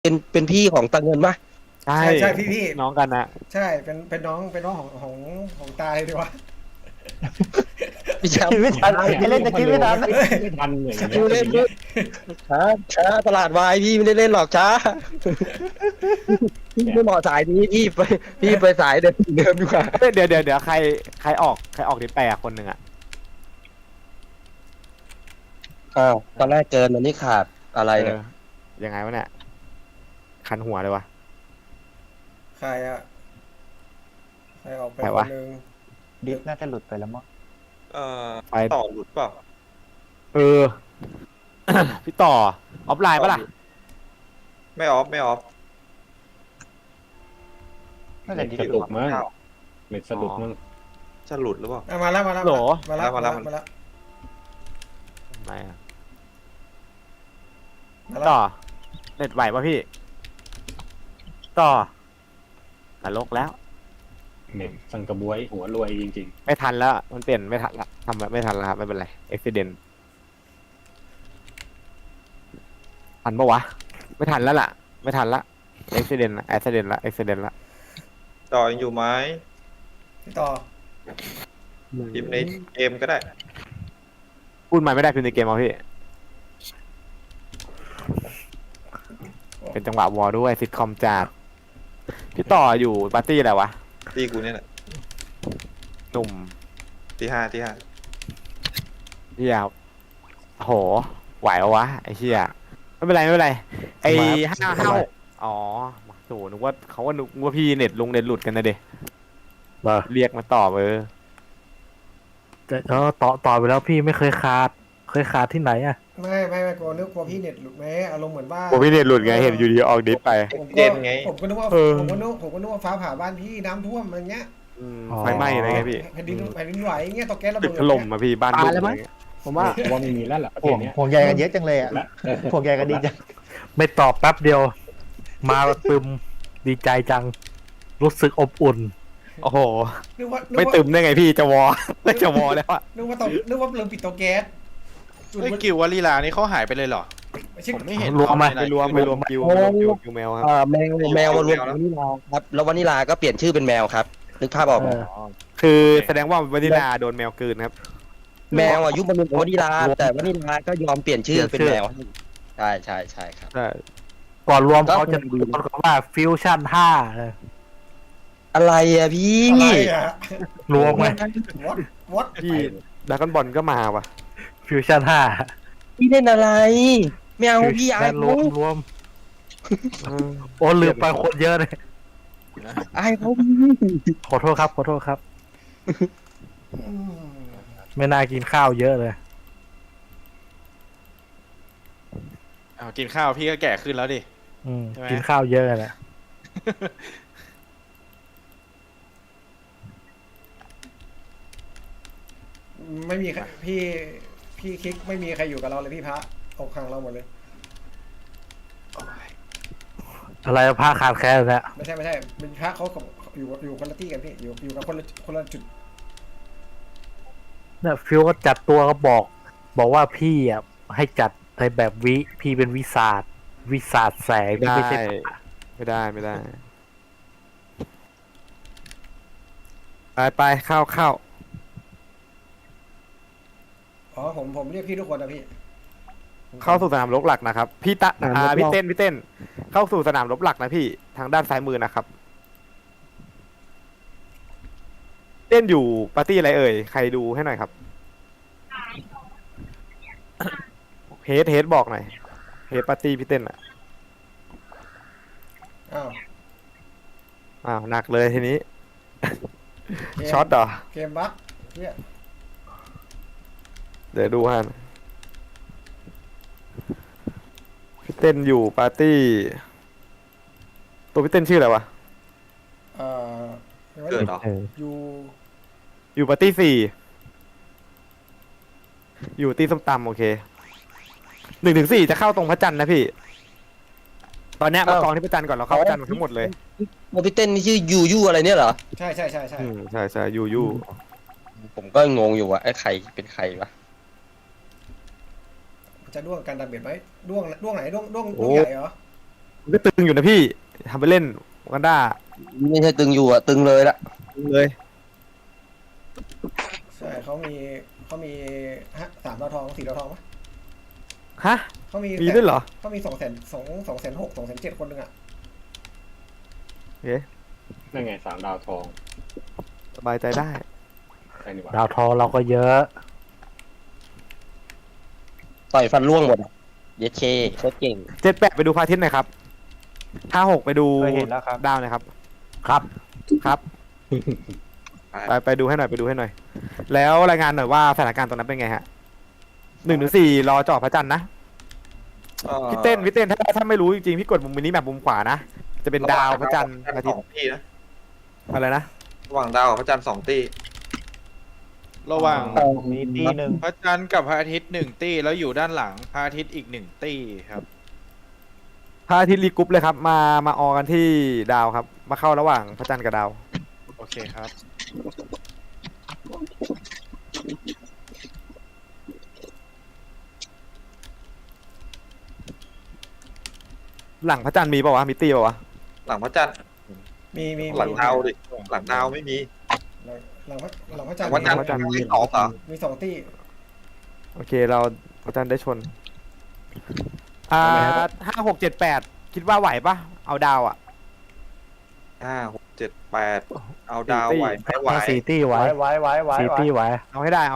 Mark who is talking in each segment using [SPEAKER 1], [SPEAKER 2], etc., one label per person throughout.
[SPEAKER 1] เป็นพี่ของตาเงินปะ
[SPEAKER 2] ใช่
[SPEAKER 3] ใช่พี่
[SPEAKER 2] น้องกันนะ
[SPEAKER 3] ใช่เป็นน้องของตายดีวะ
[SPEAKER 1] พี่แชม
[SPEAKER 4] คิด
[SPEAKER 1] ป์
[SPEAKER 4] ไม่ทันไอ้เล่นจะคิดไม่ทัน
[SPEAKER 5] ไม่ทันอย่าง
[SPEAKER 1] ช้า
[SPEAKER 5] เงี้ย
[SPEAKER 1] เล่นด้วยช้าตลาดวายพี่ไม่ได้เล่นหรอกช้าพี่ไม่เหมาะสายนี้พี่ไปสายเดิมดีกว่า
[SPEAKER 2] เดี๋ยวใครออกดิแปลคนหนึ่งอ่ะ
[SPEAKER 1] อ้าวตอนแรกเกินอันนี้ขาดอะไรเนี่ย
[SPEAKER 2] ยังไงวะเนี่ยคันหัวเลยวะ
[SPEAKER 3] ใครอะใครออกไป
[SPEAKER 2] ใคร
[SPEAKER 3] คว
[SPEAKER 2] ะ
[SPEAKER 3] นหนึ่ง
[SPEAKER 4] ดิฟน่าจะหลุดไปแล้วมั้ง
[SPEAKER 2] ไป
[SPEAKER 6] ต่อหลุดเปล่า
[SPEAKER 2] เออ พี่ต่อออฟไลน์ปะล่ะ
[SPEAKER 6] ไม่ออฟไม่ออฟ
[SPEAKER 4] น่าจะดิฟ
[SPEAKER 5] สะ
[SPEAKER 4] อยู่
[SPEAKER 5] ดุด
[SPEAKER 4] อะ
[SPEAKER 5] มั้งเม็ดสะดุดมั้ง
[SPEAKER 6] จะหลุดหรือเปล่า
[SPEAKER 3] อ่ะมาแล้ว
[SPEAKER 6] มาแล้ว
[SPEAKER 3] มาแล้ว
[SPEAKER 2] ไม่อะ
[SPEAKER 3] มาแล้ว
[SPEAKER 2] ต่อเน็ตไหวปะพี่ ต่อนรกแล้ว
[SPEAKER 5] เม็ดสังกระบวยหัวรวยจริง
[SPEAKER 2] ไม่ทันแล้ว มันเปลี่ยนไม่ทันละทำแบบไม่ทันแล้วครับไม่เป็นไรเอ็กซิเดนทันปะวะ ไม่ทันแล้วล่ะ ไม่ทันละเอ็กซิเดนละเอ็กซิเดนละเอ็กซิเดนละ
[SPEAKER 6] ต่อยังอยู่ไหม
[SPEAKER 3] พี่ต่อ
[SPEAKER 6] พิมพ์ในเกมก็ได้
[SPEAKER 2] พูดมาไม่ได้พิมพ์ในเกมเอาพี่ เป็นจังหวะวอลด้วยซิทคอมจัดพี่ต่ออยู่ปาร์ตี้อะไรวะ
[SPEAKER 6] ตีกูเนี่ยแหละ
[SPEAKER 2] หนุ่ม
[SPEAKER 6] ตีห้า
[SPEAKER 2] เฮียโหไหวปะวะไอ้เฮียไม่เป็นไรไม่เป็นไรไอ้ห้าอ๋อโหนึกว่าเขาว่านึกว่าพี่เน็ตลงเน็ตหลุดกันนะเด็ เรียกมาตอบ
[SPEAKER 7] แต่ต่อไปแล้วพี่ไม่เคยขาดที่ไหนอ่ะ
[SPEAKER 3] ไม่กลัวพี่เน็ตหลุดไหมอารมณ์เหมือนว่า
[SPEAKER 2] ผมพี่เน็ตหลุดไงเห็นอยู่ดีออกดิสไป
[SPEAKER 3] ผม
[SPEAKER 6] เด่นไง
[SPEAKER 3] ผมก็นึกว่า
[SPEAKER 2] เออ
[SPEAKER 3] ผมก็นึกว่าฟ้าผ่าบ้านพี่น้ำท่วมอะไรเงี้ย
[SPEAKER 7] อ๋อ
[SPEAKER 2] ไฟไหม้อะไรเงี้ยพี่
[SPEAKER 3] แผ่นดินไหวเงี้ยตกแก๊สระ
[SPEAKER 2] ตึ
[SPEAKER 3] เบิ
[SPEAKER 2] ก
[SPEAKER 3] ด
[SPEAKER 2] ถล่มมาพี่บ้านบุก
[SPEAKER 7] ตายแล้วมั้
[SPEAKER 2] อะไร
[SPEAKER 7] ย
[SPEAKER 2] เงี้ย
[SPEAKER 7] ผมว่า
[SPEAKER 5] ๆว่าไม่มีแล้วแหละประเท
[SPEAKER 4] ห่ว
[SPEAKER 5] ศ
[SPEAKER 4] ง
[SPEAKER 5] เนี้ย
[SPEAKER 4] ห่วงใยกันเยอะจังเลยอ่ะ
[SPEAKER 5] และ
[SPEAKER 4] ห่วงใยกันดีจัง
[SPEAKER 7] ไม่ตอบแป๊บเดียว มาตึมดีใจจัง รู้สึกอบอุ่น
[SPEAKER 2] โอ้โห
[SPEAKER 3] นึกว่า
[SPEAKER 2] ไม่ตึมได้ไงพี่จะวอ ไม่จะวอแล้วอะ
[SPEAKER 3] นึกว่าลืมปิดเตาแก๊สจุด
[SPEAKER 8] ไอ้กิววลีลานี่เขาหายไปเลยเหรอ
[SPEAKER 3] ไม่ใช่
[SPEAKER 8] ผมไม่เห็น
[SPEAKER 7] รวมไหม
[SPEAKER 8] เขา
[SPEAKER 2] ไปรวมคิวคิวแมวครับ
[SPEAKER 1] แมวมารวมกับวานิลาครับแล้ววานิลาก็เปลี่ยนชื่อเป็นแมวครับนึกภาพออกไหม
[SPEAKER 2] คือแสดงว่าวานิลาโดนแมวกลืนครับ
[SPEAKER 1] แมวอายุมันเป็นวานิลาแต่วานิลาก็ยอมเปลี่ยนชื่อเป็นแมวใช่ครับ
[SPEAKER 2] ใช่
[SPEAKER 7] ก่อนรวม
[SPEAKER 1] ก็
[SPEAKER 7] เขาจะตะโกนว่าฟิวชั่น5
[SPEAKER 1] อะไรอะพี่
[SPEAKER 3] อะไรอะ
[SPEAKER 7] รวมไหม
[SPEAKER 3] วัด
[SPEAKER 2] พี่ดากอนบอลก็มาว่ะ
[SPEAKER 7] ฟิวชั่น
[SPEAKER 1] พี่เล่นอะไรไม่เอา
[SPEAKER 7] 5
[SPEAKER 1] พี่อาย
[SPEAKER 7] ร
[SPEAKER 1] เขา
[SPEAKER 7] วมโอ้ลืมไปคนเยอะเลย
[SPEAKER 1] อายเขา
[SPEAKER 7] ขอโทษครับ ไม่น่ากินข้าวเยอะเลย
[SPEAKER 8] อ้าวกินข้าวพี่ก็แก่ขึ้นแล้วดิ ใช่ไหม
[SPEAKER 7] กินข้าวเยอะแหละ
[SPEAKER 3] ไม่มีใครพี่คลิกไม่มีใครอยู่กับเราเลยพี่พระออกข้างเราหมดเลย
[SPEAKER 7] อะไรผ้าขาดแคลนแล้ว
[SPEAKER 3] ไม่ใช่เป็นพระเขากับอยู่คนละที่กันพี่อยู่กับคนละจุด
[SPEAKER 7] เนี่ยฟิวก็จัดตัวก็บอกว่าพี่อ่ะให้จัดในแบบพี่เป็นวิสาดแสง
[SPEAKER 2] ไม่ได้
[SPEAKER 7] ไม่ใช่
[SPEAKER 2] ไม่ได้ไปเข้า
[SPEAKER 3] อ๋อผมเรียกพี่ทุกคนนะพี่
[SPEAKER 2] เข้าสู่สนามรบหลักนะครับพี่เต้นเข้าสู่สนามรบหลักนะพี่ทางด้านซ้ายมือนะครับ เต้นอยู่ปาร์ตี้อะไรเอ่ยใครดูให้หน่อยครับเฮดบอกหน่อยเฮดปาร์ตี้พี่เต้นอ่ะ
[SPEAKER 3] อ้าว
[SPEAKER 2] หนักเลยทีนี้ ช็อตเหรอ
[SPEAKER 3] เกมบัคเนี่ย
[SPEAKER 2] เดี๋ยวดูฮะพี่เต้นอยู่ปาร์ตี้ตัวพี่เต้นชื่ออะไรวะ
[SPEAKER 3] เอ่อ
[SPEAKER 6] เกิดเหรอ
[SPEAKER 3] อยู่
[SPEAKER 2] อยู่ปาร์ตี้4อยู่ตีส้มตำโอเค1 ถึง 4จะเข้าตรงพระจันทร์นะพี่ ตอนเนี้ยมากองที่พระจันทร์ก่อนเราเข้าพระจันทร์ทั้งหมดเลย
[SPEAKER 1] โมพี่เต้นนี่ชื่อยูอะไรเนี่ยเหรอ
[SPEAKER 3] ใช่
[SPEAKER 2] ใช่ยู
[SPEAKER 1] ผมก็งงอยู่ว่าไอ้ใครเป็นใครวะ
[SPEAKER 3] จะด้วงการดาเมจไหมด้วงไหนด้วงใหญ่เหรอ
[SPEAKER 2] มันก็ตึงอยู่นะพี่ทำไปเล่นกันด้า
[SPEAKER 1] ไม่ใช่ตึงอยู่อะตึงเลยละ
[SPEAKER 2] เลย
[SPEAKER 3] ใช่เขามี3 ดาวทอง 4 ดาวทองปะ
[SPEAKER 2] ฮะ
[SPEAKER 3] เขามี
[SPEAKER 2] มีด้วยเหรอ
[SPEAKER 3] เขามี206,000 207,000คนหนึ่งอ่ะ
[SPEAKER 2] เอ๊ะ
[SPEAKER 5] นั่นไง3 ดาวทอง
[SPEAKER 2] สบายใจได้
[SPEAKER 5] ใช่นี่หว่า
[SPEAKER 7] ดาวทองเราก็เยอะ
[SPEAKER 1] ต่อยฟันร่วงหมดอะเยดเคโคตรเก่ง
[SPEAKER 2] 78ไปดูพระอาทิตย์หน่อยครับ56ไปดู
[SPEAKER 4] เคยเห็นแล้วครับ
[SPEAKER 2] ดาวหน่อยครับ
[SPEAKER 7] ครับ
[SPEAKER 2] ครับ ไปดูให้หน่อยไปดูให้หน่อย แล้วรายงานหน่อยว่าสถานการณ์ตรงนั้นเป็นไงฮะ1-4รอเจาะพระจันทร์นะพี่เต้นถ้าไม่รู้จริงๆพี่กดมุมนี้แบบมุมขวานะจะเป็นดาวพระจันทร์อาทิต
[SPEAKER 6] ส
[SPEAKER 2] ย์
[SPEAKER 6] องตีนะ
[SPEAKER 2] อะไรนะ
[SPEAKER 6] ระหว่างดาวกับพระจันทร์2 ตี
[SPEAKER 8] ระหว่าง
[SPEAKER 4] มีตีหนึ่ง
[SPEAKER 8] พระจันทร์กับพระอาทิตย์1 ตี้แล้วอยู่ด้านหลังพระอาทิตย์อีก1 ตี้ครับ
[SPEAKER 2] พระอาทิตย์รีกรุ๊ปเลยครับมาออกันที่ดาวครับ มาเข้าระหว่างพระจันทร์กับดาว
[SPEAKER 8] โอเคครับ
[SPEAKER 2] หลังพระจันทร์มีเปล่าวะมีตีเปล่าวะ
[SPEAKER 6] หลังพระจันทร์
[SPEAKER 3] มี
[SPEAKER 6] หลังดาวดิหลังดาวไม่มี
[SPEAKER 3] หลังพระ
[SPEAKER 6] หลัง
[SPEAKER 3] จันทร์
[SPEAKER 6] พระจันทร์มี2เหรอ
[SPEAKER 3] มี2 ตี้
[SPEAKER 2] โอเคเราพระจันทร์ได้ชน5678คิดว่าไหวปะเอาดาวอ่ะ
[SPEAKER 6] 5 6 7 8เอาดาวไหวไม่ไหว
[SPEAKER 7] 4 ตี้ไว้
[SPEAKER 4] ไว้
[SPEAKER 7] 4 ตี้ไว้
[SPEAKER 2] เอาให้ได้เอา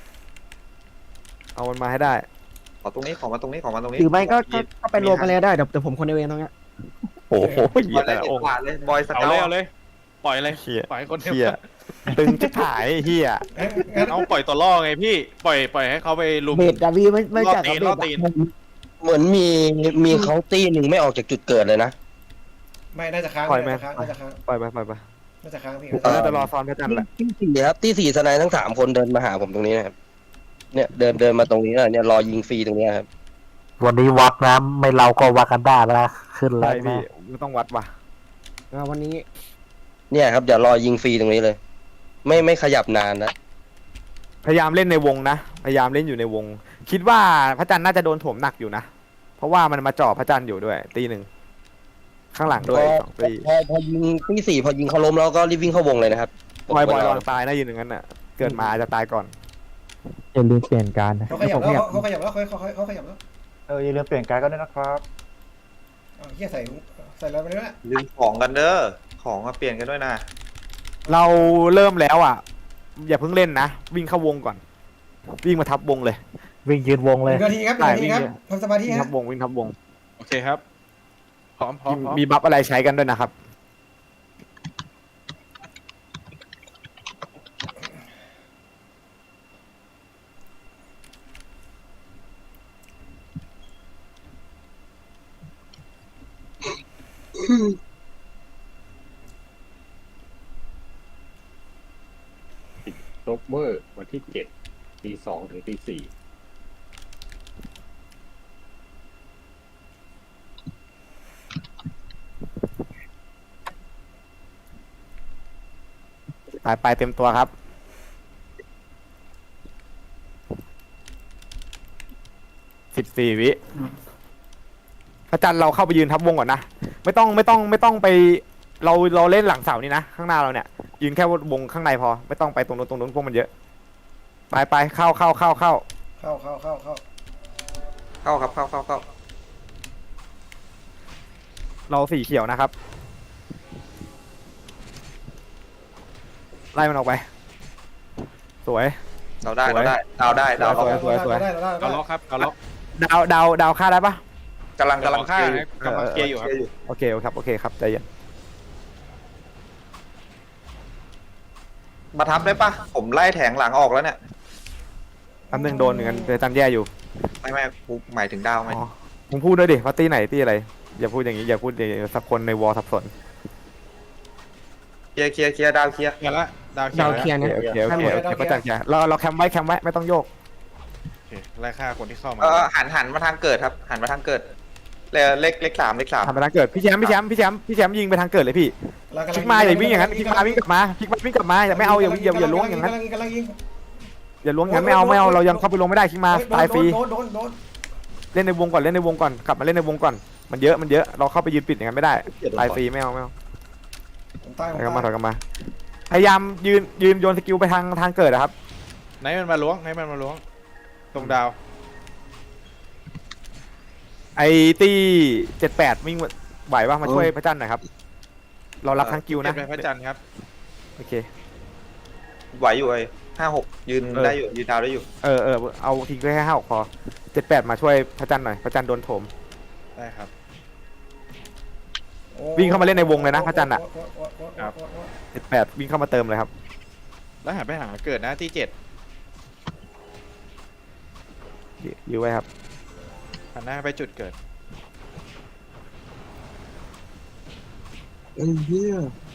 [SPEAKER 2] มันมาให้ได้
[SPEAKER 6] ขอตรงนี้ขอมาตรงนี้ขอมาตรงนี้
[SPEAKER 1] หรือไม่ก็ไปรวมกันเลยได้เดี๋ยวผมคนเดียวเองตรงเนี้ย
[SPEAKER 2] โอ้โห
[SPEAKER 6] บอยเลยเด็ดขาดเลยบอยส
[SPEAKER 8] เอา
[SPEAKER 6] เกา
[SPEAKER 8] เลย
[SPEAKER 6] ต์
[SPEAKER 8] เอาเลย ปล่อยเลย
[SPEAKER 2] เฮีย
[SPEAKER 8] ปล่อยคนเดียว
[SPEAKER 2] เฮียตึงจะขายเฮีย
[SPEAKER 3] งั้น
[SPEAKER 8] เอาปล่อยตัวล่อไงพี่ ปล่อยให้เขาไปลุม
[SPEAKER 1] เบดดาวีไม่
[SPEAKER 8] ล่อ
[SPEAKER 1] จัด
[SPEAKER 8] ตีน
[SPEAKER 1] เบ
[SPEAKER 8] ล่อ
[SPEAKER 1] ด
[SPEAKER 8] ตีน
[SPEAKER 1] เหมือนมีเขาตีหนึ่งไม่ออกจากจุดเกิดเลยนะ
[SPEAKER 3] ไม่น่าจะค้าง
[SPEAKER 2] ปล่อยไหม
[SPEAKER 3] น่าจะค้าง
[SPEAKER 2] ปล่อยไป
[SPEAKER 3] น่าจะค้างพี่
[SPEAKER 2] น่าจะรอซ้อนพระจันทร์แหละ
[SPEAKER 1] ที่4ครับที่4สไนด์ทั้ง3 คนเดินมาหาผมตรงนี้นะครับเนี่ยเดินมาตรงนี้นะเนี่ยรอยิงฟรีตรงเนี้ยครับ
[SPEAKER 7] วันนี้วัดนะไม่เราก็วากันด้าแล้วขึ้นแล้
[SPEAKER 2] ใช่
[SPEAKER 7] ว
[SPEAKER 2] พี่
[SPEAKER 7] นะ
[SPEAKER 2] ไม่ต้องวัดว่ะ
[SPEAKER 1] วันนี้ เนี่ยครับเดี๋ยวรอยิงฟรีตรงนี้เลย ไม่ขยับนานนะ
[SPEAKER 2] พยายามเล่นในวงนะพยายามเล่นอยู่ในวง คิดว่าพระจันทร์น่าจะโดนโถมหนักอยู่นะเพราะว่ามันมาจ่อพระจันทร์อยู่ด้วยตีหนึ่งข้างหลังด้วย2 ตี
[SPEAKER 1] พอยิงที่4พอยิงเขาล้มแล้วก็รีบวิ่งเข้าวงเลยนะครับ
[SPEAKER 2] บอยระวังตายนะยืนอย่างนั้นน่ะเกิดมาอาจจะตายก่อน
[SPEAKER 7] อย่าลืมเปลี่ยนการนะ
[SPEAKER 3] เขาขยับแล้วเขาขยับแล้วเขาขยับแล้ว
[SPEAKER 4] อย่าลืมเปลี่ยนการก็ด้วยนะครับ
[SPEAKER 3] เฮียใส่อะไรไปเนี่ย
[SPEAKER 6] ลืมของกันเด้อของมาเปลี่ยนกันด้วยนะ
[SPEAKER 2] เราเริ่มแล้วอ่ะ อย่าเพิ่งเล่นนะวิ่งเข้าวงก่อน วิ่งมาทับวงเลย
[SPEAKER 7] วิ่งยืนวงเลย
[SPEAKER 3] 1 นาทีครับ1 นาทีครับทำสมาธิ
[SPEAKER 2] วิ่ง
[SPEAKER 3] ฮะ
[SPEAKER 2] ทับวงวิ่งทับวง
[SPEAKER 8] โอเคครับ พร้อม
[SPEAKER 2] มีบัฟอะไรใช้กันด้วยนะครับ
[SPEAKER 5] โรเวอร์วันที่7 ตี 2 ถึงตี 4
[SPEAKER 2] ไปเต็มตัวครับ14 วิพระจันทร์เราเข้าไปยืนทับวงก่อนนะไม่ต้องไปเราเล่นหลังเสานี่นะข้างหน้าเราเนี่ยยืนแค่วงข้างในพอไม่ต้องไปตรงนู้นพวกมันเยอะไปเข้า
[SPEAKER 3] เข้า
[SPEAKER 6] เข้าครับเข้า
[SPEAKER 2] เราสีเขียวนะครับไล่มันออกไปสวย
[SPEAKER 6] เราได้ดาวได้
[SPEAKER 2] สวย
[SPEAKER 8] เอาล็อกครับเอาล็อก
[SPEAKER 2] ดาวฆ่าได้ปะ
[SPEAKER 6] กำลัง
[SPEAKER 8] ฆ่านะกำลังเคลียร์อยู่ครับ
[SPEAKER 2] โอเคครับใจเย็น
[SPEAKER 6] มาทับได้ปะผมไล่แถงหลังออกแล้วเนี่ย
[SPEAKER 2] แป๊บนึงโดนเหมือนกันเจอจันแย่อยู่
[SPEAKER 6] ไม่กูหมายถึงดาวไหม
[SPEAKER 2] อ๋อมึงพูดด้วยดิว่าตีไหนตีอะไรอย่าพูดอย่างนี้อย่าพูดอย่างนี้สักคนในวอลสับสน
[SPEAKER 6] เคลียร์ดาวเคลียร์
[SPEAKER 8] เคลียร์ละดาวเคลียร์
[SPEAKER 2] โอเคก็จัดแย่เราแคมไว้ไม่ต้องโยก
[SPEAKER 8] โอเคไล่ฆ่าคนที่เข้ามา
[SPEAKER 6] หันมาทางเกิดครับหันมาทางเกิดเลข 3
[SPEAKER 2] ทำไปทางเกิดพี่แชมป์ยิงไปทางเกิดเลยพี่คลิกมาอย่าวิ่งอย่างนั้นคลิกมาวิ่งกลับมาอย่าไม่เอาอย่าล้วงอย่างนั้น
[SPEAKER 3] กำลังยิง
[SPEAKER 2] อย่าล้วงอย่างนั้นไม่เอาเรายังเข้าไปลงไม่ได้คลิกมาตายฟรี
[SPEAKER 3] โดน
[SPEAKER 2] เล่นในวงก่อนกลับมาเล่นในวงก่อนมันเยอะเราเข้าไปยืนปิดอย่างนั้นไม่ได้ตายฟรีไม่เอา
[SPEAKER 3] ผมตาย
[SPEAKER 2] ถ
[SPEAKER 3] ผม
[SPEAKER 2] อยกลับมาถ
[SPEAKER 3] ตา
[SPEAKER 2] อย ยกลับมาพยายามยืนโยนสกิลไปทางเกิดนะครับ
[SPEAKER 8] ไหนมันมาล้วงตรงดาว
[SPEAKER 2] ไอ้ตี้78วิ่งไหวป่ะมาช่วยพระจันทร์หน่อยครับเรารับทั้งกิวนะ
[SPEAKER 8] เก็บไปพระจันทร์ครับ
[SPEAKER 2] โอเค
[SPEAKER 6] ไหวอยู่ไอ้56ยืนได้อยู่ยืนดาวได้อยู่
[SPEAKER 2] เอาทิ้งไว้แค่5 6พอ78มาช่วยพระจันทร์หน่อยพระจันทร์โดนโถม
[SPEAKER 8] ได้ครับ
[SPEAKER 2] วิ่งเข้ามาเล่นในวงเลยนะพระจันทร์อะ
[SPEAKER 8] ครับ
[SPEAKER 2] 78วิ่งเข้ามาเติมเลยครับ
[SPEAKER 8] แล้วหันไปหาเกิดนะที่
[SPEAKER 2] ยื้อไว้ครับ
[SPEAKER 8] 7หันหน้าไปจุดเกิด
[SPEAKER 1] ไอ้เหี้ย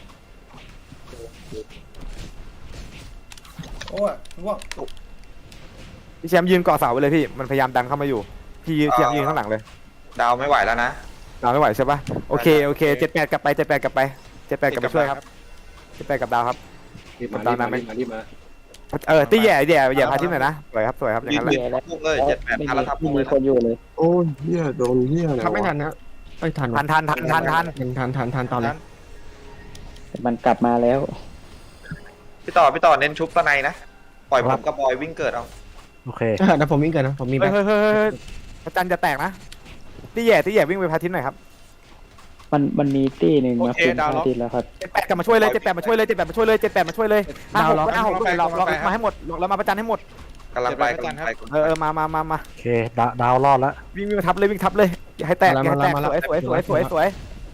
[SPEAKER 3] โอ้ยร่วง
[SPEAKER 2] พี่แชมป์ยืนเกาะเสาไว้เลยพี่มันพยายามดันเข้ามาอยู่พี่แชมป์ยืนข้างหลังเลย
[SPEAKER 6] ดาวไม่ไหวแล้วนะ
[SPEAKER 2] ดาวไม่ไหวใช่ปะโอเค78กลับไป78กลับไป78กลับไปช่วยครับ78กับดาวครับ
[SPEAKER 5] รีบมารีบมา
[SPEAKER 2] ตี้แย่พาทิตย์หน่อยนะสวยครับอย่างนั้นแหละ
[SPEAKER 6] ยืนพุ่งเลย78พาราทับพุ่งเลย
[SPEAKER 1] คนอยู่เลยโอ้ยเหี้ยโดนเหี้ยอะไร
[SPEAKER 9] ทำไม่ทั
[SPEAKER 1] วะ
[SPEAKER 9] นนะเอ้ยทัน
[SPEAKER 2] ทัน
[SPEAKER 9] ทันตอนเลย
[SPEAKER 1] มันกลับมาแล้ว
[SPEAKER 6] พี่ต่อเน้นชุบตะไนนะปล่อยผมกับบอยวิ่งเกิดเอา
[SPEAKER 7] โอเค
[SPEAKER 9] เดี๋ยวผมวิ่งเกินนะผมมีแบบ
[SPEAKER 2] เฮ้ยพระจันทร์จะแตกนะตี้แย่วิ่งไปพาทิตย์หน่อยครับ
[SPEAKER 1] มันมีตี้หนึ่ง
[SPEAKER 8] โอ
[SPEAKER 1] มา
[SPEAKER 8] เค
[SPEAKER 1] คุม
[SPEAKER 8] ดาว
[SPEAKER 1] พา
[SPEAKER 8] ล็อก
[SPEAKER 1] ทิตย์แล้วครับ
[SPEAKER 2] 78กลับมาช่วยเลย78มาช่วยเลย78มาช่วยเลย78มาช่วยเลย56ด้วยล็อกมาให้หมดล็อกมาพระจันทร์ให้หมด
[SPEAKER 6] กำลังไป
[SPEAKER 2] มา
[SPEAKER 7] โอเคดาวรอดแล้ว
[SPEAKER 2] วิ่งทับเลยอย่าให้แตกสวย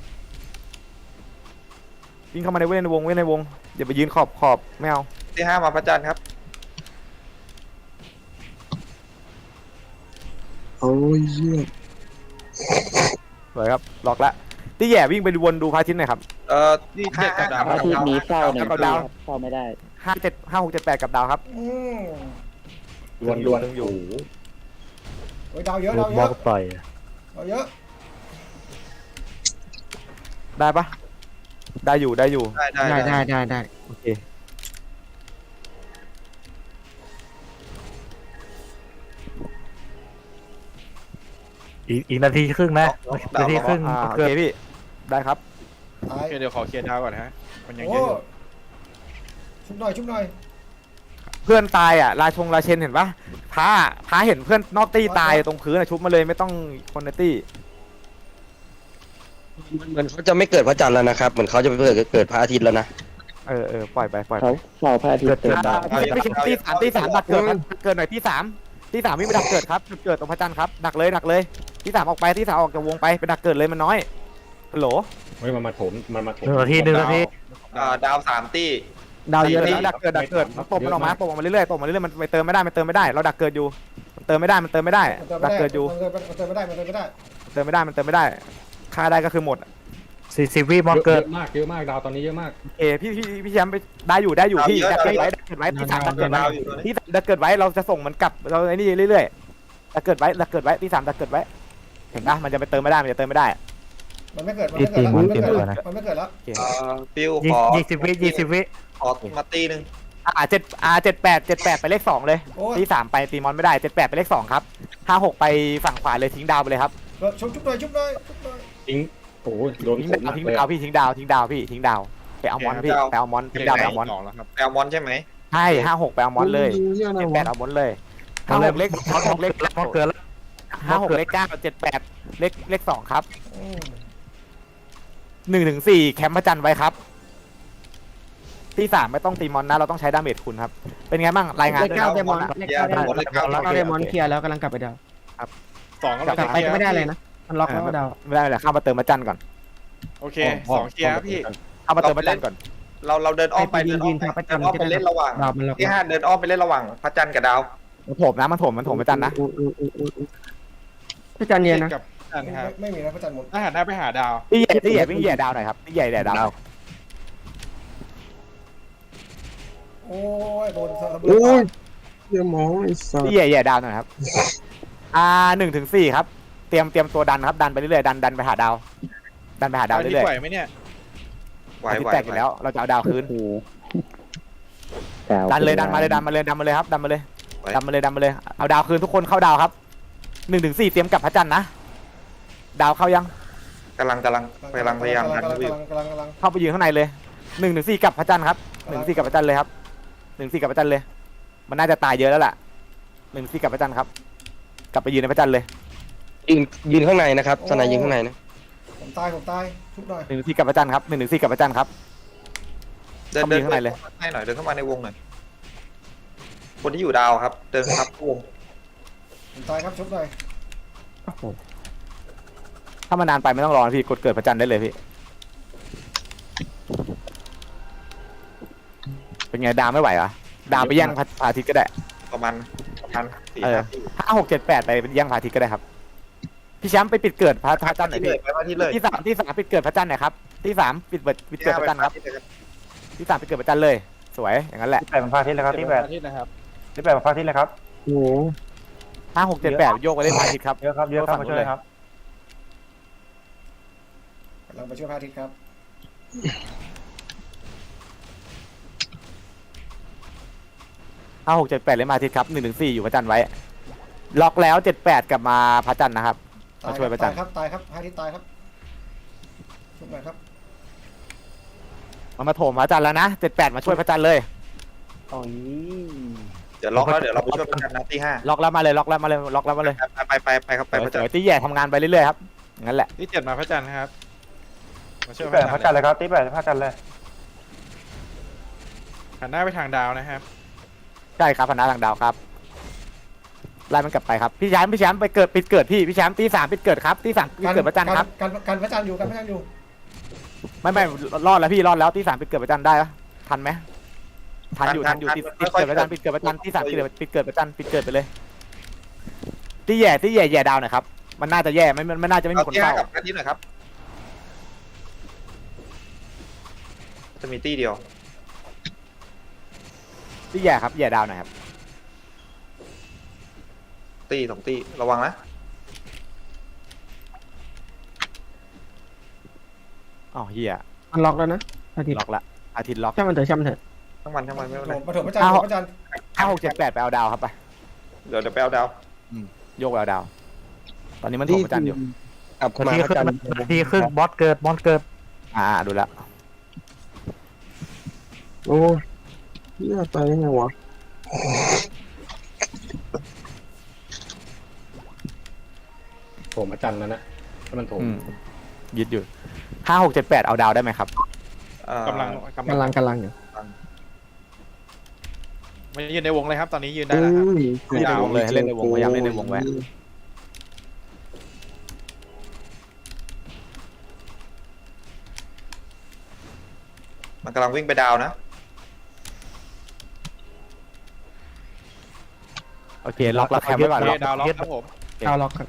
[SPEAKER 2] วิ่งเข้ามาในวงอย่าไปยืนขอบไม่เอา
[SPEAKER 6] ที่5มาพระจันทร์ครับ
[SPEAKER 1] โอ้ยเหี้ย
[SPEAKER 2] สวยครับล็อกละตี้แย่วิ่งไปวนดูพระอาทิตย์หน่อยครับ
[SPEAKER 8] ที่7กับดาว
[SPEAKER 1] พระอาทิตย์นี้เฝ้าหนึ่ง
[SPEAKER 2] กับดาว
[SPEAKER 1] เฝ้าไม่ได้
[SPEAKER 2] 5678กับดาวครับ
[SPEAKER 3] อืม
[SPEAKER 5] ล้วน
[SPEAKER 2] อยู่
[SPEAKER 3] โอ้ยดาวเยอะ
[SPEAKER 7] โด
[SPEAKER 3] ดาวน เย
[SPEAKER 7] บล็อ
[SPEAKER 3] อะ
[SPEAKER 7] กต่อย
[SPEAKER 3] ดาวเยอะ
[SPEAKER 2] ได้ปะได้อยู่
[SPEAKER 6] ได้
[SPEAKER 9] ได้
[SPEAKER 2] โอเค
[SPEAKER 7] อีกนาทีครึ่งนะนาทีครึ่ง
[SPEAKER 2] โอ
[SPEAKER 7] เกิ
[SPEAKER 2] เค
[SPEAKER 7] ด
[SPEAKER 2] พี่ได้ครับ
[SPEAKER 3] ตาย
[SPEAKER 8] โอเคเดี๋ยวขอเคลียร์ดาวก่อนฮะมันยัง
[SPEAKER 3] โอ้
[SPEAKER 8] เยอะอยู่
[SPEAKER 3] ชุบหน่อย
[SPEAKER 2] เพื่อนตายอ่ะราเชนเห็นปะพาเห็นเพื่อนนอกตี้ตายตรงพื้นอ่ะชุบมาเลยไม่ต้องคนในตี้
[SPEAKER 1] เหมือนเขาจะไม่เกิดพระจันทร์แล้วนะครับเหมือนเขาจะไปเกิดพระอาทิตย์แล้วนะ
[SPEAKER 2] ปล่อยไป
[SPEAKER 1] เขาเฝ้าพระอาทิตย์เกิดดาว
[SPEAKER 2] ไม่ใช่ตีสามดักเกิดหน่อยที่สามวิ่งไปดักเกิดครับเกิดตรงพระจันทร์ครับดักเลยที่3ออกไปที่3ออกจากวงไปดักเกิดเลยมันน้อยฮัลโหล
[SPEAKER 5] เฮ้ยมันมาถม
[SPEAKER 7] 1 นาที 1 นาที
[SPEAKER 6] ดาว3ตี้
[SPEAKER 9] ดาวเยอะ
[SPEAKER 2] ดักเกิดมันตบมันออกมามันเรื่อยๆมันไปเติมไม่ได้เราดักเกิดอยู่มันเติมไม่ได้ดักเกิดอยู่
[SPEAKER 3] มันเติมไม่ได้
[SPEAKER 2] เติมไม่ได้ค่าได้ก็คือหมด
[SPEAKER 7] 40 วิมอนเกิด
[SPEAKER 5] เยอะมากดาวตอนนี้เยอะมาก
[SPEAKER 2] พี่แชมป์ไปได้อยู่พี่ดักเกิดไว้ที่3ดักเกิดไว้ที่ดักเกิดไว้เราจะส่งมันกลับเราไอ้นี่เรื่อยๆดักเกิดไว้ที่3ดักเกิดไว้เห็นปะมันจะไปเติมไม่ได้มัน
[SPEAKER 3] มันไม่เกิดแล้ว
[SPEAKER 6] ฟิว
[SPEAKER 7] 20 วิ
[SPEAKER 6] ขอมาตีหนึ่ง
[SPEAKER 2] 78ไปเลข2เลยที่3ไปตีมอนไม่ได้78ไปเลข2ครับ56ไปฝั่งขวาเลยทิ้งดาวไปเลยครับ
[SPEAKER 3] ชุบหน่อย
[SPEAKER 5] ทิ้งโอ้โดน
[SPEAKER 2] ทิ้ง
[SPEAKER 5] ผม
[SPEAKER 2] ดาวทิ้งดาวไปเอามอนพี่ไปเอามอนทิ้งดาวไปเอามอน
[SPEAKER 8] 2แล้วครับ
[SPEAKER 6] แอลมอนใช่ไหม
[SPEAKER 2] ใช่56ไปเอามอนเลย78เอามอนเลย56เลข56เลข
[SPEAKER 7] มอนเกิดแล้ว
[SPEAKER 2] 56เลข9 78เลข2ครับ1 ถึง 4แคมป์พระจันทร์ไว้ครับที่3ไม่ต้องตีมอนนะเราต้องใช้ดาเมจคุณครับเป็นไงบ้างรายงาน
[SPEAKER 9] เลข9เดมอนเลข9เดมอนเคลียร์แล้วกำลังกลับไปดาว
[SPEAKER 8] 2ก็
[SPEAKER 9] กลับไปก็ไม่ได้เลยนะมันล็อกแล้วก็ดาว
[SPEAKER 2] ไม่ได้เลยเข้ามาเติมพระจันทร์ก่อน
[SPEAKER 8] โอเค2เคลียร์ครับพี่
[SPEAKER 2] เข้ามาเติมพระจันทร์ก่อน
[SPEAKER 6] เราเดินอ้อมไปเล่นระหว่าง
[SPEAKER 9] ดาวมันล็อก
[SPEAKER 6] ที่5เดินอ้อมไปเล่นระหว่างพระจันทร์กับดาว
[SPEAKER 2] มันโถมพระจันทร์นะ
[SPEAKER 9] พระจันทร์เนียนนะ
[SPEAKER 8] กับจันทร์ครับ
[SPEAKER 3] ไม่มีนะพระจันทร์หมด
[SPEAKER 8] ถ้าหันหน้าไปหาดาว
[SPEAKER 2] ที่ใหญ่วิ่งแย่ดาวหน่อยครับที่ใหญ่แย่ดาว
[SPEAKER 3] โอ้ยโดนระเบิ
[SPEAKER 1] โอ้ย
[SPEAKER 3] ด
[SPEAKER 1] เหี้ยมองไอ้สัส
[SPEAKER 2] ที่ใหญ่ดาวหน่อยครับ1 ถึง 4ครับเตรียมตัวดันครับดันไปเรื่อยๆดันไปหาดาวเรื่อย
[SPEAKER 8] ไหวไหมเนี่ย
[SPEAKER 6] ไหว
[SPEAKER 2] ๆที่แตกอยู่แล้วเราจะเอาดาวคืน
[SPEAKER 1] โอ้โห
[SPEAKER 2] ดันมาเลยครับดันมาเลยเอาดาวคืนทุกคนเข้าดาวครับ1 ถึง 4เตรียมกลับพระจันทร์นะดาวเข้ายัง
[SPEAKER 6] กำลังพยายามดันอยู่
[SPEAKER 3] กำลัง
[SPEAKER 2] เข้าไปยืนข้างในเลย1-4กับพระจันทร์ครับ1-4กับพระจันทร์เลยครับ1-4กับพระจันทร์เลย มันน่าจะตายเยอะแล้วล่ะ1-4กับพระจันทร์ครับกลับไปยืนในพระจันทร์เลย
[SPEAKER 1] ยืนข้างในนะครับสนายยืนข้างในนะ
[SPEAKER 3] ผมตายทุบหน่อย
[SPEAKER 2] 1-4กับพระจันทร์ครับ1-4กับพระจันทร์ครับ
[SPEAKER 6] เดิน
[SPEAKER 2] เข้าไปข้างในเลย
[SPEAKER 6] ให้หน่อยเดินเข้ามาในวงหน่อยคนที่อยู่ดาวครับ เดินครับวง
[SPEAKER 3] ผมตายครับชุบหน่อย
[SPEAKER 9] โอ้โห
[SPEAKER 2] ถ้ามันนานไปไม่ต้องรอนะพี่กดเกิดพระจันทร์ได้เลยพี่เป็นไงดาวไม่ไหวเหรอดาวไปแย่งพระอาทิตย์ก็ได้
[SPEAKER 6] ประมาณ4
[SPEAKER 2] 5 6 7 8ไปแย่งพระอาทิตย์ก็ได้ครับพี่แชมป์ไปปิดเกิดพระจันทร์หน่อย
[SPEAKER 6] เล
[SPEAKER 2] พี่
[SPEAKER 6] ยไปมาที่เลย
[SPEAKER 2] ที่สามปิดเกิดพระจันทร์หน่อยครับที่สามปิดเกิดพระจันทร์ครับที่สามปิดเกิดพระจันทร์เลยสวยอย่างนั้นแหละ
[SPEAKER 4] ที่8มันพาทิตย์เลยครับที่8
[SPEAKER 8] ที่นะครับ
[SPEAKER 4] ที่8มันพาทิตย์เลยครับ
[SPEAKER 7] โอ้โห
[SPEAKER 2] 5 6 7 8โยกไปเล่นพระอาทิตย์ครับ
[SPEAKER 4] เยอะครับเยอะครับมาช่วยเลยครับ
[SPEAKER 3] กำลังไปช่วยพระอาทิตย์ครับ
[SPEAKER 2] 5 6 7 8เล่นพระอาทิตย์ครับ1-4อยู่พระจันทร์ไว้ล็อกแล้ว7-8กลับมาพระจันทร์นะครับ
[SPEAKER 3] ตาย
[SPEAKER 2] มาช่วยพระจันทร์
[SPEAKER 3] ครับตายครับพระอาทิตย์ตายครับชุบหน่อยครับ
[SPEAKER 2] มันมาโถมพระจันทร์แล้วนะ7-8มาช่วยพระจันทร์เลย
[SPEAKER 4] โอ้ย
[SPEAKER 6] เดี๋ยวล็อกแล้วเดี๋ยวเราไปช่วยกันนะที่5
[SPEAKER 2] ล็อกแล้วมาเลยล็อกแล้วมาเลยล็อกแล้วมาเลย
[SPEAKER 6] ไปครับไปพระจันท
[SPEAKER 2] สวย
[SPEAKER 6] ร์
[SPEAKER 2] ๆตีแย่ทำงานไปเรื่อยๆครับงั้นแหละ
[SPEAKER 8] ที่7มาพระจันทร์นะครับมาช่วย
[SPEAKER 4] ที่
[SPEAKER 8] พระ
[SPEAKER 4] 8พระ
[SPEAKER 8] จั
[SPEAKER 4] จั
[SPEAKER 8] น
[SPEAKER 4] น
[SPEAKER 8] ท
[SPEAKER 4] ท
[SPEAKER 8] ร์
[SPEAKER 4] ร์เลยครับที่8พระจันทร์เลย
[SPEAKER 8] หันหน้าไปทางดาวนะครับ
[SPEAKER 2] ใช่ครับพนักทางดาวครับไล่มันกลับไปครับพี่แชมป์ไปเกิดปิดเกิดพี่แชมป์ตี 3ปิดเกิดครับตี 3ปิดเกิดพระจันทร์ครับ
[SPEAKER 3] กันพระจันทร์อยู่กันพระจันทร์อยู่
[SPEAKER 2] ไม่รอดแล้วพี่รอดแล้วตี 3ปิดเกิดพระจันทร์ได้ปะทันไหมทันอยู่ติดเกิดพระจันทร์ปิดเกิดพระจันทร์ตี 3ปิดเกิดพระจันทร์ปิดเกิดไปเลยตีแย่ดาวหน่อยครับมันน่าจะแย่มันน่าจะไม่มีคน
[SPEAKER 6] ที่
[SPEAKER 2] เฝ้า
[SPEAKER 6] 5กับอาทิตย์หน่อยครับจะมีตี้เดียว
[SPEAKER 2] ตีแย่ครับแย่ดาวหน่อยครับ
[SPEAKER 6] ตี้2ตี้ระวังนะ
[SPEAKER 2] อ๋อเฮีย
[SPEAKER 9] มันล็อกแล้วนะอาทิตย์
[SPEAKER 2] ล็อกละอาทิตย์ล็อก
[SPEAKER 9] ช่างมันเถอะช่างมันเถอะ
[SPEAKER 6] ทั้งวันไม่เป็นไร
[SPEAKER 3] มาถมพระจันทร์พระจันทร์
[SPEAKER 2] 5 6 7 8ไปเอาดาวครับไป
[SPEAKER 6] เดี๋ยวไปเอาดาว
[SPEAKER 2] โยกไปเอาดาว ตอนนี้มันโถมพระจันทร์อยู่
[SPEAKER 1] กลับ
[SPEAKER 7] นา
[SPEAKER 1] มา
[SPEAKER 7] ที
[SPEAKER 1] พ
[SPEAKER 7] ครึ่
[SPEAKER 1] ระ
[SPEAKER 7] ง
[SPEAKER 1] จันทร์
[SPEAKER 7] นาทีครึ่งบอสเกิด
[SPEAKER 2] ดูแล้ว
[SPEAKER 9] โอ้ยน่าตายยังไงวะ
[SPEAKER 5] โถมอาจารย์แล้วนะถ้ามันโถม
[SPEAKER 2] ยึดอยู่5 6 7 8เอาดาวได้ไหมครับ
[SPEAKER 8] กำลัง
[SPEAKER 9] กำลังอยู่
[SPEAKER 8] มายืนในวงเลยครับ ตอนนี้ยืนได้แล้วครับ
[SPEAKER 2] เล่นในวงเลยให้เล่นในวงพยายามเล่นในวงไว้
[SPEAKER 6] มันกำลังวิ่งไปดาวนะ
[SPEAKER 2] โอเคล็อกแล้วแคมไว้ก่อน
[SPEAKER 8] โอ
[SPEAKER 2] ล็
[SPEAKER 8] เค
[SPEAKER 2] อก
[SPEAKER 8] ดาวล็อกครับผม
[SPEAKER 9] ดาวล็อกครับ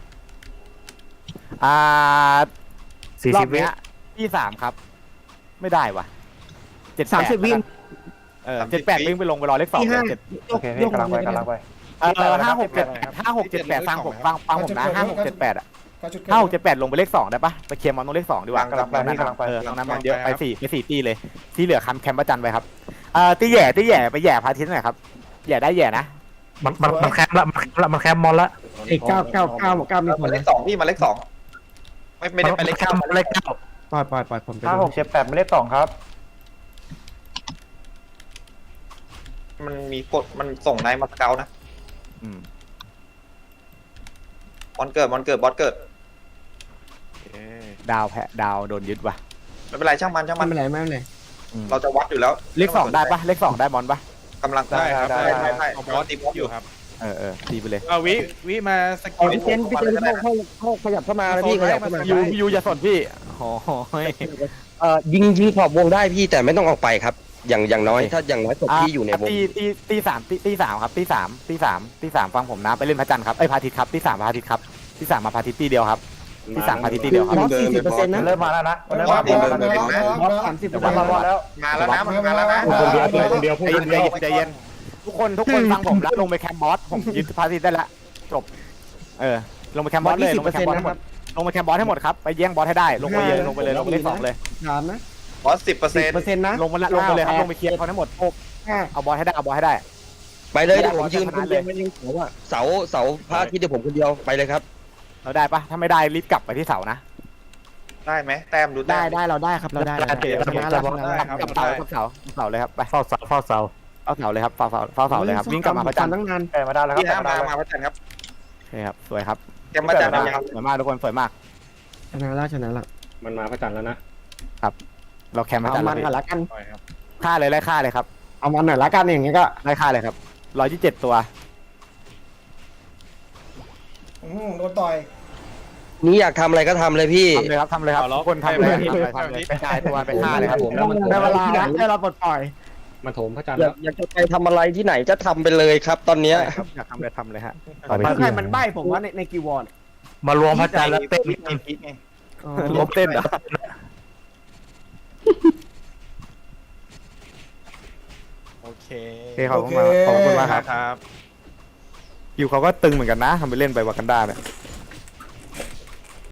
[SPEAKER 2] รอบ
[SPEAKER 7] 40 วิ
[SPEAKER 2] เนี้ยที่3ครับ ไม่ได้ว่ะ7
[SPEAKER 9] 30 วิ่ง
[SPEAKER 2] 78วิ่งไปลงไปรอเลข2
[SPEAKER 9] ที่
[SPEAKER 2] เลย
[SPEAKER 9] ห้า
[SPEAKER 2] 7
[SPEAKER 4] โอเคพี่กำลังไป
[SPEAKER 2] 5 6 7 8ฟังผมนะ5 6 7 8อ่ะ
[SPEAKER 3] การจุด
[SPEAKER 2] 5 6 7 8ลงไปเลข2ได้ปะไปเคลียร์มอนตรงเลข2ดีกว่าก
[SPEAKER 4] ำลังไปพี่กำลังไป
[SPEAKER 2] ตรงนั้นมันเยอะไป4ตีเลยที่เหลือแคมป์ประจันไปครับตีแย่ไปแย่พาทิตย์หน่อยครับแย่ได้แย่นะ
[SPEAKER 7] มันแคมป์ละมันแคมป์มอนละ
[SPEAKER 9] เอก9มีผ
[SPEAKER 6] มา
[SPEAKER 9] ล
[SPEAKER 6] เล
[SPEAKER 9] นะ
[SPEAKER 6] ข2พี่มาเลข2ไม่ได้ไปเลข
[SPEAKER 7] แคมป์เลข
[SPEAKER 9] ปล่อยผมไป
[SPEAKER 4] 5 6 7 8ไม่เลข2ครับ
[SPEAKER 6] มันมีกดมันส่งนายมาสเกลนะ
[SPEAKER 2] อืม
[SPEAKER 6] บอลเกิดบอสเกิด
[SPEAKER 2] ดาวโดนยึดว่ะ
[SPEAKER 6] ไม่เป็นไรช่างมัน
[SPEAKER 9] ไม่เป็นไรไม่เป็นไร
[SPEAKER 6] เราจะวัดอยู่แล้ว
[SPEAKER 2] เลข2ได้ปะเลข2ได้มอนปะ
[SPEAKER 6] กำลัง
[SPEAKER 8] ได้ครับ
[SPEAKER 6] ได้
[SPEAKER 8] เอาบ
[SPEAKER 6] บ
[SPEAKER 8] อ
[SPEAKER 6] อ
[SPEAKER 8] ส
[SPEAKER 6] ส
[SPEAKER 8] ตี
[SPEAKER 6] ตี
[SPEAKER 8] บบ อ
[SPEAKER 6] อ
[SPEAKER 8] ส
[SPEAKER 6] ส
[SPEAKER 8] อ
[SPEAKER 6] อยู่ ยู่
[SPEAKER 8] ครับ
[SPEAKER 2] ตีไปเลย
[SPEAKER 8] วิมาสกิล
[SPEAKER 9] พี่เจนขยับเข้ามาแล้วพี่ขยับเข้ามา
[SPEAKER 2] ยูอย่าสนพี่โอ้ย
[SPEAKER 1] ยิงขอบวงได้พี่แต่ไม่ต้องออกไปครับ อย่างน้อยถ้าอย่างน้อยศพพี่อยู่ในวง
[SPEAKER 2] ตีสามครับตีสามฟังผมนะไปเล่นพระจันทร์ครับไอ้พระอาทิตย์ครับตี3พระอาทิตย์ครับตี3มาพระอาทิตย์ตีเดียวครับตี3พระอาทิตย์ตีเดียวครับ
[SPEAKER 9] บอส40%นะ
[SPEAKER 4] เริ่มมาแล้วนะ
[SPEAKER 3] มาแล้ว
[SPEAKER 9] บอส30%
[SPEAKER 4] มาแล้ว
[SPEAKER 6] มาแล้วนะมันมาแล้วนะ
[SPEAKER 5] คนเดียว
[SPEAKER 2] ใจเย็นทุกคนฟังผมแล้วลงไปแคมป์บอสผมยึดพระอาทิตย์ได้ละจบลงไปแคมป์บอสเลยลงไปแคมป์บอสให้หมดลงไปแคมป์บอสให้หมดครับไปแย่งบอสให้ได้ลงไปเลยลงไปเลข2เลย
[SPEAKER 9] ถามนะ
[SPEAKER 6] บอส10%
[SPEAKER 9] 10%นะ
[SPEAKER 2] ลงไปเลยครับลงไปเคลียร์เขาทั้งหมดเอาบอสให้ได้
[SPEAKER 1] ไปเลยเดี๋ยวผมยืนคนเดียวเสาพระอาทิตย์เดี๋ยวผมคนเดียวไปเลยครับ
[SPEAKER 2] เราได้ปะถ้าไม่ได้รีบกลับไปที่เสานะ
[SPEAKER 6] ได้ไหมแต้มดูแต้
[SPEAKER 9] ได้
[SPEAKER 6] ม
[SPEAKER 9] ได้เราได้ครับเราได้เราได้ชนะแล้วชนะ
[SPEAKER 6] ได้
[SPEAKER 9] แล้ว
[SPEAKER 6] ครับ
[SPEAKER 2] กับเสากับเสากับเสาเลยครับไป
[SPEAKER 7] เฝ้าเสาเฝ้าเสา
[SPEAKER 2] เอาเสาเลยครับเฝ้าเสาเลยครับวิ่งกลับมาพระจันทร์
[SPEAKER 9] ตั้งนาน
[SPEAKER 4] แกมาได้แล้วค
[SPEAKER 6] พี่
[SPEAKER 4] รับ
[SPEAKER 6] ห้า
[SPEAKER 4] แก
[SPEAKER 6] มา
[SPEAKER 4] มาได้แล้ว
[SPEAKER 6] มาพระจันทร์ครับ
[SPEAKER 2] โอเคครับสวยครับ
[SPEAKER 6] เตรียมพระจันทร์ยัง
[SPEAKER 2] สวยมากทุกคนสวยมาก
[SPEAKER 9] ชนะแล้วชนะแล้ว
[SPEAKER 5] มันมาพระจันทร์แล้วนะ
[SPEAKER 2] เราแคมป์พระ
[SPEAKER 9] เอา
[SPEAKER 2] จันทร์
[SPEAKER 9] มัน
[SPEAKER 2] แล้ว
[SPEAKER 9] ก่อนละกัน
[SPEAKER 5] ปล่อยครับ
[SPEAKER 2] ฆ่าเลยไล่ฆ่าเลยครับ
[SPEAKER 9] เอามันหน่อยละกันอย่างเงี้ยก็
[SPEAKER 2] ไล่ฆ่าเลยครับ127ตัว
[SPEAKER 3] โดนต่อย
[SPEAKER 1] นี่อยากทำอะไรก็ทำเลยพี่
[SPEAKER 2] ทำเลยครับทุกคนทำเลยทำเลยไปกายตัวไปฆ่าเลยครับ
[SPEAKER 1] ผมแล้วมัน
[SPEAKER 9] ได้เวลาแล้วให้เราปลดปล่อย
[SPEAKER 5] มาโถมพระจันทร์
[SPEAKER 1] อยา
[SPEAKER 5] แล้
[SPEAKER 1] ก
[SPEAKER 5] ว
[SPEAKER 1] อยากจะไปทำอะไรที่ไหนจะทำไปเลยครับ ตอนเนี้ย
[SPEAKER 2] อยากทำเลยฮะ
[SPEAKER 9] ใครมันใบ้ผมว่าในกีวอร์ด
[SPEAKER 7] มารวมพระจันทร์แล้วเต้น
[SPEAKER 2] ลบเต้นเหรอ
[SPEAKER 8] โอเค
[SPEAKER 2] โอเคขอบคุณมากครับ
[SPEAKER 8] ครับ
[SPEAKER 2] คิวเขาก็ตึงเหมือนกันนะทำไปเล่นไปวากันดาเนี่ย